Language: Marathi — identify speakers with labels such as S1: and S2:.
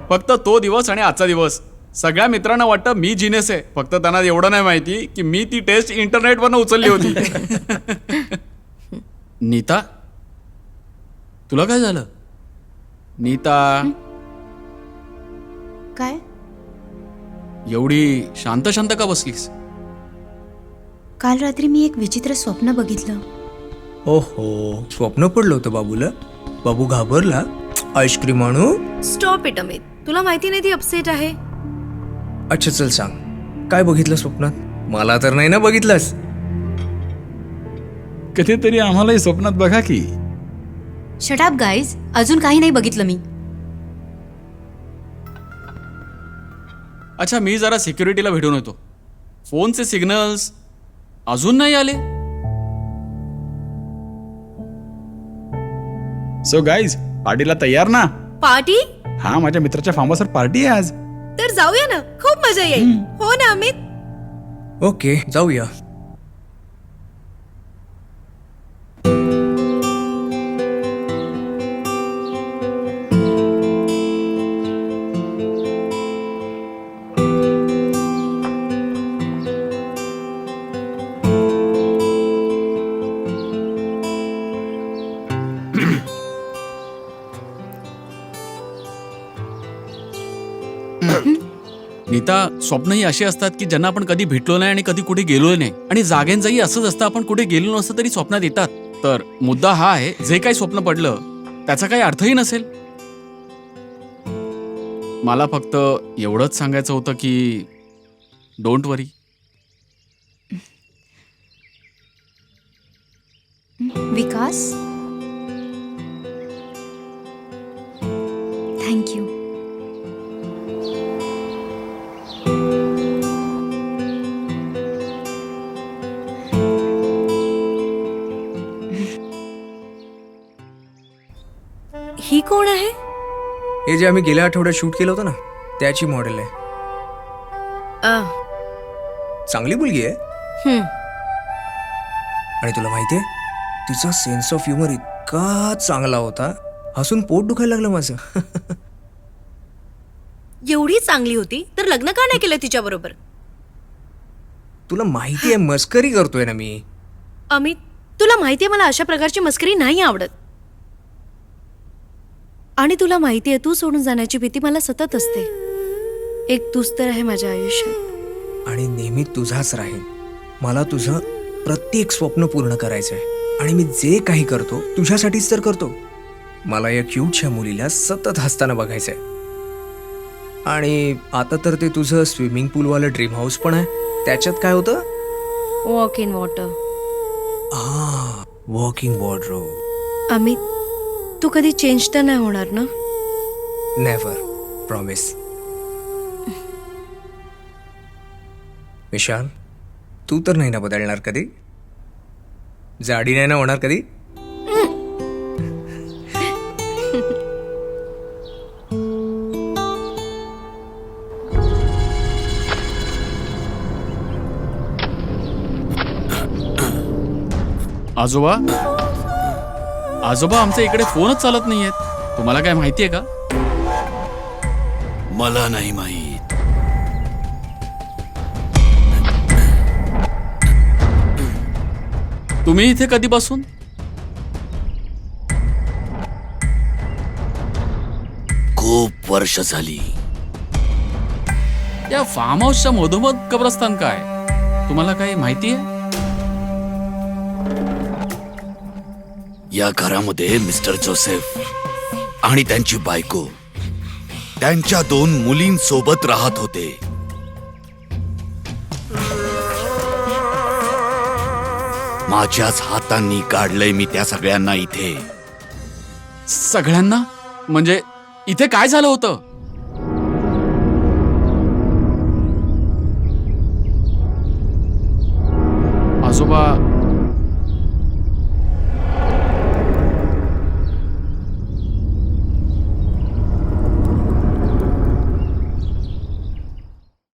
S1: फक्त तो दिवस आणि आजचा दिवस. सगळ्या मित्रांना वाटतं मी जिनेस आहे, फक्त त्यांना एवढं नाही माहिती की मी ती टेस्ट इंटरनेटवरनं उचलली होती. नीता, तुला काय झालं? नीता,
S2: काय?
S1: एवढी शांत शांत का बसलीस?
S2: काल रात्री मी एक विचित्र स्वप्न बघितलं.
S3: ओहो, स्वप्न पडलं होतं बाबूला. बाबू घाबरला. आईस्क्रीम आणू?
S4: स्टॉप इट अमित, तुला माहिती नाही ती अपसेट आहे.
S3: अच्छा चल सांग, काय बघितलं स्वप्नात? मला तर नाही ना बघितलंस?
S5: कधीतरी आम्हालाही स्वप्नात बघा की.
S2: शट अप गाईज, अजून काही नाही बघितलं मी.
S1: अच्छा, मी जरा सिक्युरिटीला भेटून येतो. फोनचे सिग्नल्स अजून नाही आले.
S5: सो गाईज, पार्टीला तयार ना?
S4: पार्टी?
S5: हा, माझ्या मित्राच्या फार्म हाऊसवर पार्टी आहे आज.
S4: तर जाऊया ना, खूप मजा येईल. हो ना अमित?
S3: ओके, जाऊया.
S1: नीता, स्वप्न ही अशी असतात की ज्यांना आपण कधी भेटलो नाही आणि कधी कुठे गेलो नाही. आणि जाग्यांचंही असंच असतं, आपण कुठे गेलो नसतं तरी स्वप्नात येतात. तर मुद्दा हा आहे, जे काही स्वप्न पडलं त्याचा काही अर्थही नसेल. मला फक्त एवढंच सांगायचं होतं की डोंट वरी.
S2: Vikas, thank you.
S4: ही कोण आहे?
S3: हे जे आम्ही गेल्या आठवड्यात शूट केलं होतं ना, त्याची मॉडेल आहे. चांगली मुलगी आहे. आणि तुला माहितीये, तिचा सेन्स ऑफ ह्युमर इतका चांगला होता, हसून पोट दुखायला लागलं माझं.
S4: एवढी चांगली होती तर लग्न का नाही केलं तिच्या बरोबर?
S3: तुला माहितीये मस्करी करतोय ना मी.
S4: अमित, तुला माहितीये मला अशा प्रकारची मस्करी नाही आवडत. आणि तुला माहितीये, तू सोडून जाण्याची भीती मला सतत असते. एक तूच तर आहे माझ्या आयुष्यात.
S3: आणि नेहमी तुझाच राहील. मला तुझं प्रत्येक स्वप्न पूर्ण करायचंय. आणि मी जे काही करतो तुझ्यासाठीच तर करतो. मला या क्यूटच्या मुलीला सतत हसताना बघायचंय. आणि आता तर ते तुझं स्विमिंग पूलवालं ड्रीम हाऊस पण आहे. त्याच्यात काय होतं?
S4: Walk in water.
S3: Walking wardrobe.
S4: Amit, तू कधी चेंज तर नाही होणार ना?
S3: Never, promise. विशाल, तू तर नाही ना बदलणार कधी? जाडी नाही ना होणार कधी?
S1: आजोबा, आजोबा, आमच्या इकडे फोनच चालत नाहीयेत. तुम्हाला काय माहितीये का?
S6: मला नाही माहीत.
S1: तुम्ही इथे कधीपासून?
S6: खूप वर्ष झाली.
S1: या फार्म हाऊसच्या मधोमध कब्रस्तान काय? तुम्हाला काही माहितीये?
S6: या घरामध्ये मिस्टर जोसेफ आणि त्यांची बायको त्यांच्या 2 मुलींसोबत राहत होते. माझ्याच हातांनी काढलंय मी त्या सगळ्यांना इथे.
S1: सगळ्यांना? म्हणजे इथे काय झालं होतं? आजोबा,